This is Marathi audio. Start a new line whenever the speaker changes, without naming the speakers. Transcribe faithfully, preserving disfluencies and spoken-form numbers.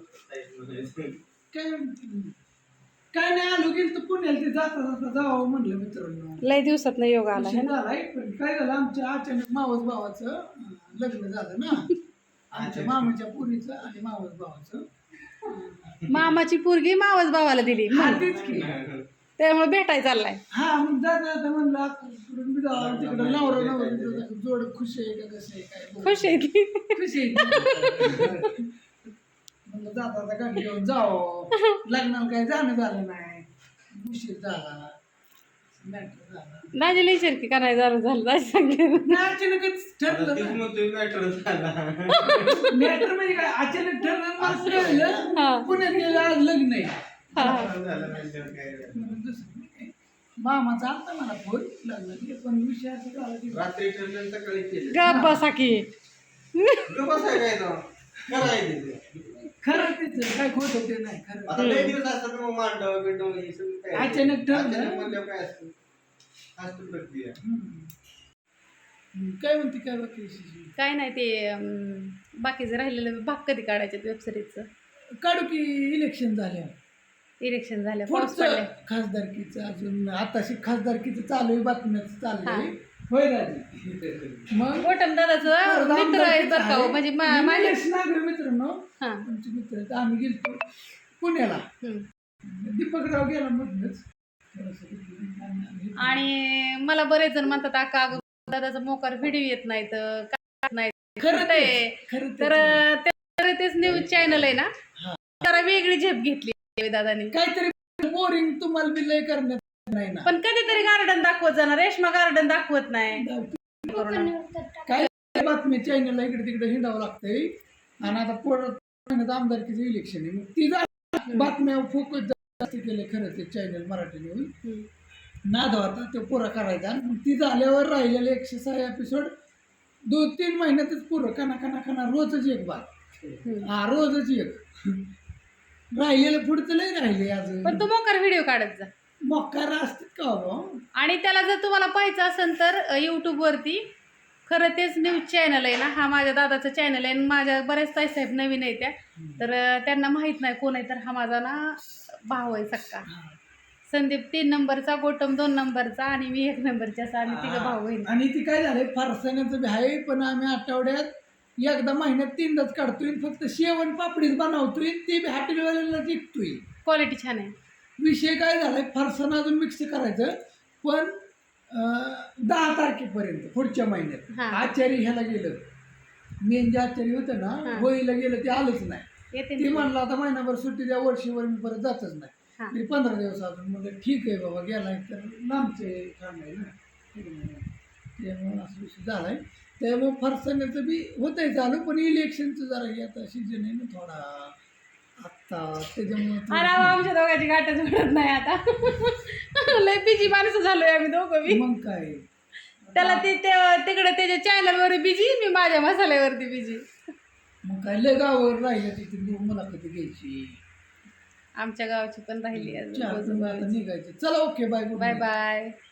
काय काय नाही आलो गेलो तर पुण्याला ते जाता जाता जावं म्हणलं मित्रांनो.
लय दिवसात नाही योग आला है ना.
झालाय पण काय झालं आमच्या अचानक मावस भावाचं अं, लग्न झालं ना आमच्या मामाच्या पुरीचं आणि मावस भावाचं.
मामाची पोरगी मावस भावाला दिली
हा तेच की.
त्यामुळे भेटाय चाललाय.
हा मग जाता जाता म्हणलं आता इकडून बी जावं तिकडं नवरा नवरा जोड खुश आहे का कसं आहे काय
खुश आहे ती.
खुश आहे म्हणलं जाता जाता गाडी घेऊन जावं लग्नाला काही जाणं झालं नाही उशीर झाला मॅटर झाला.
दाजी लई शर्की का नाही झालं झालं दाजी सांगते.
नाही, अचानकच ठरलं मॅटर म्हणजे काय अचानक ठरलं मला कळलं पुण्यात गेलं आज लग्न आहे. मामाचा आलता मला फोन लग्नाची पण विषय असं झाला की
रात्री ठरलं सकाळी केलं
गप बसा की.
बसाय काय तो करायचं
खरं तेच काय खोट ते नाही खरं.
आता लय दिवस असतात मग मांडव बिंडव हे सगळं काय
अचानक ठरलं.
अचानक म्हणल्यावर काय असतं असतं प्रक्रिया.
हम्म. काय म्हणते काय बाकी विशेष?
काय नाही ते अं, बाकीचं राहिलेलं भाग कधी काढायचे वेबसिरीजचं.
काढू की इलेक्शन झाल्या
इलेक्शन झालं पाऊस पडले.
पुढचं खासदारकीचं अजून आताशी खासदारकीचं चालू आहे बातम्याचं चालू आहे होय राजी. मग
गोटम दादाचं मित्र आहेत बरं का हो, म्हणजे मा- माझे
निलेश नागरे मित्रांनो
हा.
आमचे मित्र आहेत आम्ही गेलतो पुण्याला
हम्म.
दीपकराव गेला मधनच थोडंसं तिकडे आम्ही-
आणि मला बरेच जण म्हणतात आका अगं दादाचा मोकार व्हिडिओ येत नाही तर काय नाही
खरं
आहे.
ते- खरं ते-
तर ते- तेच न्यूज चॅनल आहे ना जरा वेगळी झेप घेतली दादानी.
काहीतरी बोरिंग तुम्हाला बी लय करण्यात नाही ना.
पण कधीतरी गार्डन दाखवत जाणार रेशमा गार्डन दाखवत नाही.
काय बातमी चॅनलला इकडे तिकडे हिंडावं लागतंय आणि आता परत आमदारकीचं इलेक्शन आहे मग ती जा बातम्या फोकस जास्त केले खरं ते चॅनल मराठी न्यूज नाद होता तो पुरा करायचा आणि मग ती झाल्यावर राहिलेले एकशे सहा एपिसोड दोन तीन महिन्यातच पुरं कना कना कना रोजच एक बात हा रोजच एक राहिलेलं पुढचं लय राहिले अजून.
पण तू मोकार व्हिडिओ काढत जा
मोकार असतात का हो.
आणि त्याला जर तुम्हाला पाहायचं असेल तर यूट्यूब वरती खरं तेच न्यूज चॅनल आहे ना हा माझ्या दादाचं चॅनल आहे आणि माझ्या बऱ्याच ताईसाहेब नवीन आहे त्या तर त्यांना माहित नाही कोण आहे तर हा माझा ना भाऊ आहे सक्का संदीप तीन नंबरचा गोटम दोन नंबरचा आणि मी एक नंबरच्या असा आणि तिघं भाऊ बहीण.
आणि ती काय झालंय फारसाण्याचं बी आहे पण आम्ही आठवड्यात एकदा महिन्यात तीनदाच काढतोय फक्त शेवण पापडीच बनवतोय ती बी हॉटेलवाल्याला विकतोय.
क्वालिटी छान आहे.
विषय काय झालाय फरसाण अजून मिक्स करायचं पण अं, दहा तारखेपर्यंत पुढच्या महिन्यात
हा.
आचारी ह्याला गेलं मेन जे आचारी होतं ना
हा.
होळीला गेलं ते आलंच नाही.
येते
ती
ना.
म्हणलं आता महिनाभर सुट्टी द्या वर्षीवर मी परत जातच नाही.
हा.
मी पंधरा दिवस अजून म्हणलं ठीक आहे बाबा गेलाय तर लांबचे काम आहे ना त्यामुळे असं विषय झालाय. त्यामुळे फरसाण्याचं बी होतंय चालू पण इलेक्शनचं जरा हे आता सीजन आहे ना थोडा आत्ता त्याच्यामुळे
अरे आमच्या दोघांची गाठच घडत नाही आता लय बिजी माणसं झालोय आम्ही दोघं बी.
मग काय
त्याला ते ते- तिकडे त्याच्या चॅनलवर बिजी मी माझ्या मसाल्यावरती बिजी.
मग काय लय गावावर राहिलं तिथे मुलाखती घ्यायची
आमच्या गावाची पण राहिली
चार आता निघायचे. चला ओके बाय
बाय बाय.